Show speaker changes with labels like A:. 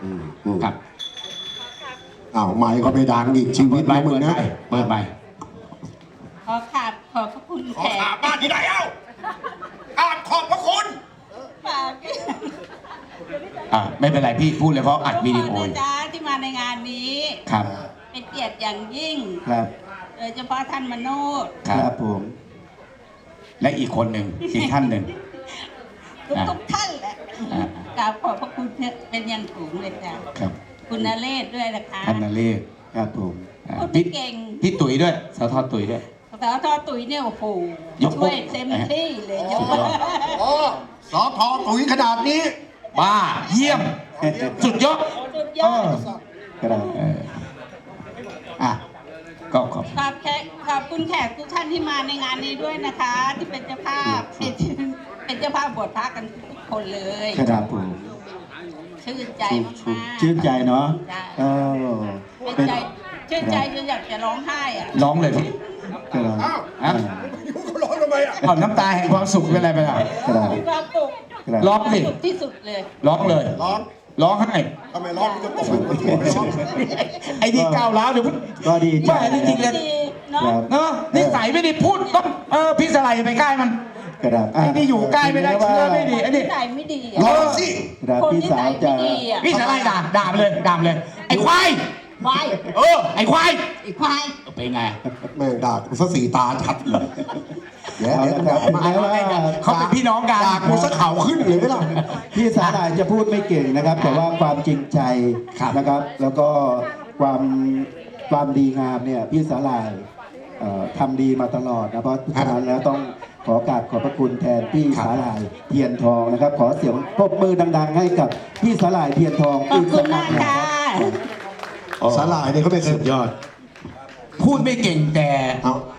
A: ครับ
B: อ้าวไม่ก็ไปดังอีกชีวิต
A: ใบ
B: นะมึ
A: เปิ
B: ง
A: ด
B: นะ
A: ใบเปิดใบ
C: ขอพระคุณ
D: ขอ
C: แขก
D: ถามบ้านที่ไหนเอ้าขอบพระคุณ
C: ฝาก
A: ไม่เป็นไรพี่พูดเลยเพราะอัดวิดีโอ
C: ทุกคนนะจ๊ะที่มาในงานนี้
A: ครับ
C: เป็นเกียรติอย่างยิ่ง
E: ครับ
C: โดยเฉพาะท่านมโนด
E: ครับผม
A: และอีกคนหนึ่งอีกท่านหนึ่ง
C: ทุกท่านแหละ
A: อ่า
C: กราบขอบพระคุณเป็นอย่างสูงเลยจ้ะ
A: ครับ
C: คุณนเรศด้วยนะคะ
A: ท่านนเรศ
E: ครับผม
C: พูด
A: พี่
C: เก่ง
A: พี่ตุ๋ยด้วยสทตุ๋ยด้วย
C: สาวทอตุ๋ยเนี่ยโอ้โห
A: ยก
C: ช่วยเต็มที่เลยยก
B: โอ้สอทอตุ๋ยขนาดนี้
A: บ้าเยี่ยม สุดยอด
C: สุดยอด
E: ครับ
A: อ่ะก็ขอบ
C: ขอบคุณแขกทุกท่านที่มาในงานนี้ด้วยนะคะ ที่เป็นเจ้าภาพเป็นเจ้าภาพบวชพระกันทุกคนเลย
E: ครับผม
C: ชื่นใจมากๆ
E: ชื่นใจเนาะ
C: จ้ะ
E: เออ
C: ชื่นใจชื่นใจจนอยากจะร้องไห้อ่ะ
A: ร้องเลยพี่
E: ครับ
A: ฮะ
D: เขาร้องทำไมอ่ะ
A: เอาน้ำตาแห่งความสุขเป็นอะไรไปล่ะ
E: ครับ
C: มีความสุข
E: ครับ
A: ร้องสิ
C: สุขที่สุดเลย
A: ร้องเลย
B: ร้อง
A: ร้องให้
B: ทำไมร้องมันจะตกไปหัวร้อง
A: ไอ้ที่ก้าวร้าวเดี๋ยว
E: ก็ดีใจ
A: ไม่จริงๆเลย
C: ดีเนาะ
E: ครับ
A: เนาะนิสัยไม่ดีพูดต้องพี่สไลด์ไปใกล้มัน
E: ครับ
A: ไอ้นี่อยู่ใกล้ไม่ได้เชื้อไม่ดีไอ้
C: นิ
A: นี่
C: สัยไม่ดี
B: ร้
C: อ่ะ
B: องสิ
E: ครับ
C: คน
E: พี่
C: นิ
E: สา
C: สั
E: วย จะ
C: ไม่ดีอ่ะ
A: พี่สไลด์ด่าไปเลยด่าไปเลย ไอ้ควาย
C: ควาย
A: ไอ้ควาย
C: ไอ้ควาย
A: เป็นไง
B: แม่งด่ากูซะสีตาชัดเลยเดี๋ยว
E: เอา
B: เดี๋ยว
E: ละครับ
B: มา
E: แม้ว่า
A: เขาเป็นพี่น้องกัน
B: ด่ากูซะเข่าขึ้นเลยไหมล่ะ
E: พี่สาหร่ายจะพูดไม่เก่งนะครับ แต่ว่าความจริงใจนะครับ แล้วก็ความดีงามเนี่ยพี่สาหร่ายทำดีมาตลอดนะเพราะฉะนั้นแล้วต้องขอกราบขอบพระคุณแทนพี่สาหร่ายเทียนทองนะครับ ขอเสียงปรบมือดัง ๆ ให้กับพี่สาหร่ายเทียนทอง
C: ขอบคุณ
E: รั้
C: มาง ก
E: นะ
C: ค่ะ
E: ครับ
B: สาหร่ายเนี่ยเขาเป็นสุดยอด
A: พูดไม่เก่งแต่
B: เอา